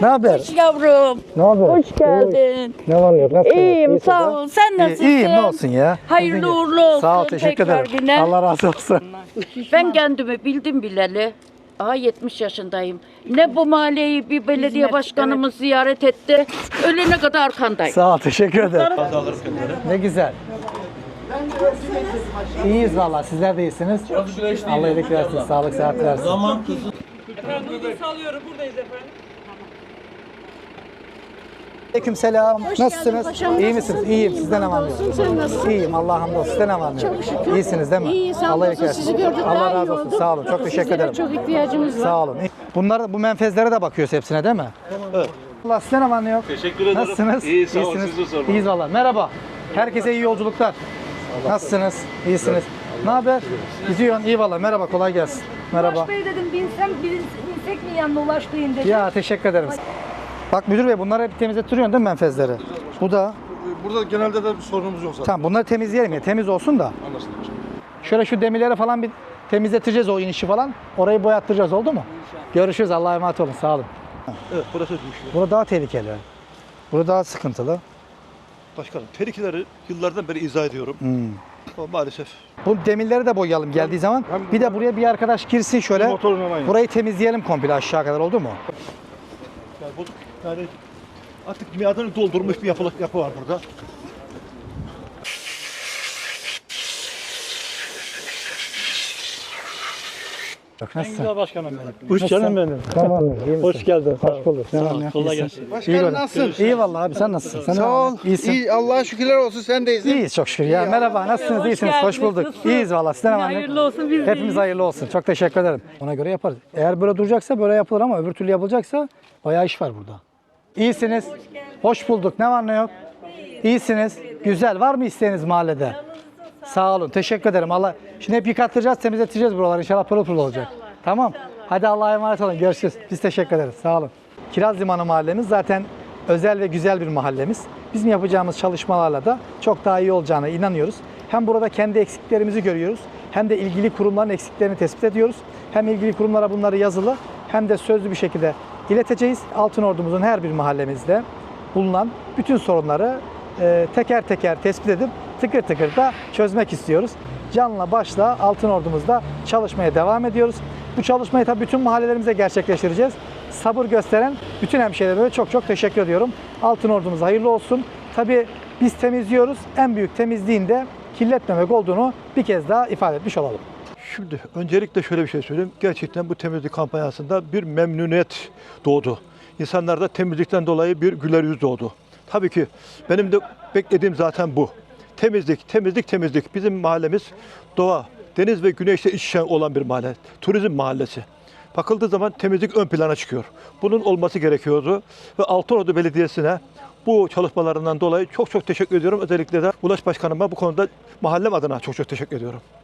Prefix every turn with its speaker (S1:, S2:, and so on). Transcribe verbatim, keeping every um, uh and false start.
S1: Ne haber?
S2: Hoş yavrum.
S1: Ne haber?
S2: Hoş geldin.
S1: Ne var ne yok? Nasılsın?
S2: İyiyim
S1: İyisin
S2: sağ
S1: sen?
S2: ol. Sen
S1: İyi,
S2: nasılsın?
S1: İyiyim ne olsun ya.
S2: Hayırlı
S1: Sizin gibi.
S2: uğurlu olsun.
S1: Sağ ol teşekkür
S2: tekrar
S1: ederim.
S2: yine.
S1: Allah razı olsun.
S2: Ben kendimi bildim bileli. Aha yetmiş yaşındayım. Ne bu mahalleyi bir belediye başkanımız ziyaret etti. Ölene kadar arkandayım.
S1: Sağ ol teşekkür ederim. Ne güzel. İyiyiz valla sizler de iyisiniz. Allah iyilik versin, sağlık sıhhat versin.
S3: Zaman kızı.
S4: Efendim hızlı salıyorum buradayız efendim.
S1: Aleyküm selam. Nasılsınız?
S5: paşam,
S1: İyi
S5: nasılsın?
S1: misiniz? İyiyim.
S5: İyiyim,
S1: Sizden ne var ne
S5: hamdolsun.
S1: yok?
S5: Sen nasılsın?
S1: İyiyim. Allah'a hamdolsun. Sizden ne var ne yok?
S5: Çok şükür.
S1: İyisiniz değil mi?
S5: İyiyiz,
S1: Allah
S5: hamdolsun.
S1: iyilik versin.
S5: Sizi gördük,
S1: Allah
S5: daha iyi
S1: razı olsun.
S5: olduk.
S1: Sağ olun. Çok teşekkür
S5: Sizlere
S1: ederim.
S5: çok ihtiyacımız var.
S1: Sağ olun. Bunlar bu menfezlere de bakıyoruz hepsine değil mi? Evet. Allah size ne var ne yok?
S3: Teşekkür ederim.
S1: Nasılsınız?
S3: İyi, sağ ol,
S1: İyisiniz.
S3: sizi sormalı.
S1: İyiyiz valla. Merhaba. Herkese iyi yolculuklar. Nasılsınız? İyisiniz. Ne haber? Gidiyorsun. İyi valla. Merhaba. Kolay gelsin. Merhaba.
S6: Ulaş Bey dedim binsem bin- binsek mi yanına Ulaş Bey'in dedim.
S1: Ya teşekkür ederim. Bak müdür bey bunları hep temizletiyorsun değil mi menfezleri? Bu da.
S3: Burada genelde de bir sorunumuz yok zaten.
S1: Tamam bunları temizleyelim ya. Temiz olsun da.
S3: Anlaşıldı.
S1: Şöyle şu demirleri falan bir temizleteceğiz o inişi falan. Orayı boyattıracağız oldu mu? Görüşürüz. Allah'a emanet olun. Sağ olun.
S7: Evet, burası düşüyor.
S1: Burada daha tehlikeli. Burada daha sıkıntılı.
S7: Başkanım, tehlikeleri yıllardan beri izah ediyorum.
S1: Hmm.
S7: Ama maalesef.
S1: Bu demirleri de boyayalım geldiği zaman. Bir de buraya bir arkadaş girsin şöyle.
S7: Motorla aynı.
S1: Burayı temizleyelim komple aşağı kadar oldu mu?
S7: Yani, bozuk. Yani artık miadını doldurmuş bir yapı, yapı var burada.
S1: Bak nasılsın?
S7: Güzel başkanım benim.
S1: Hoş geldin benim. Tamam. Hoş geldin. Hoş bulduk. Tamam.
S7: Kolay gelsin.
S1: Başkanım nasılsın? İyi vallahi abi sen nasılsın? Sen
S8: Sağ ol.
S1: İyisin.
S8: İyi, Allah'a şükürler olsun sen de iyisin.
S1: İyiyiz çok şükür ya. Merhaba nasılsınız? İyisiniz. Hoş bulduk. İyiyiz vallahi. Sizden hemen.
S4: Hayırlı olsun biz de
S1: Hepimiz
S4: iyiyiz.
S1: hayırlı olsun. Çok teşekkür ederim. Ona göre yaparız. Eğer böyle duracaksa böyle yapılır ama öbür türlü yapılacaksa bayağı iş var burada. İyisiniz. Hoş bulduk. Ne var ne yok? İyisiniz. Güzel. Var mı isteğiniz mahallede? Sağ olun. Teşekkür ederim. Allah. Şimdi hep yıkattıracağız, temizleteceğiz buraları. İnşallah pırıl pırıl olacak. Tamam. Hadi Allah'a emanet olun. Görüşürüz. Biz teşekkür ederiz. Sağ olun. Kiraz Limanı mahallemiz zaten özel ve güzel bir mahallemiz. Bizim yapacağımız çalışmalarla da çok daha iyi olacağına inanıyoruz. Hem burada kendi eksiklerimizi görüyoruz, hem de ilgili kurumların eksiklerini tespit ediyoruz. Hem ilgili kurumlara bunları yazılı hem de sözlü bir şekilde ileteceğiz. Altınordumuzun her bir mahallemizde bulunan bütün sorunları e, teker teker tespit edip tıkır tıkır da çözmek istiyoruz. Canla başla Altınordumuzda çalışmaya devam ediyoruz. Bu çalışmayı tabii bütün mahallelerimize gerçekleştireceğiz. Sabır gösteren bütün hemşehrilerime çok çok teşekkür ediyorum. Altınordumuz hayırlı olsun. Tabii biz temizliyoruz. En büyük temizliğin de kirletmemek olduğunu bir kez daha ifade etmiş olalım.
S7: Şimdi öncelikle şöyle bir şey söyleyeyim. Gerçekten bu temizlik kampanyasında bir memnuniyet doğdu. İnsanlarda temizlikten dolayı bir güler yüz doğdu. Tabii ki benim de beklediğim zaten bu. Temizlik, temizlik, temizlik. Bizim mahallemiz doğa, deniz ve güneşle iç içe olan bir mahalle. Turizm mahallesi. Bakıldığı zaman temizlik ön plana çıkıyor. Bunun olması gerekiyordu. Ve Altınordu Belediyesi'ne bu çalışmalarından dolayı çok çok teşekkür ediyorum. Özellikle de Ulaş Başkanıma bu konuda mahallem adına çok çok teşekkür ediyorum.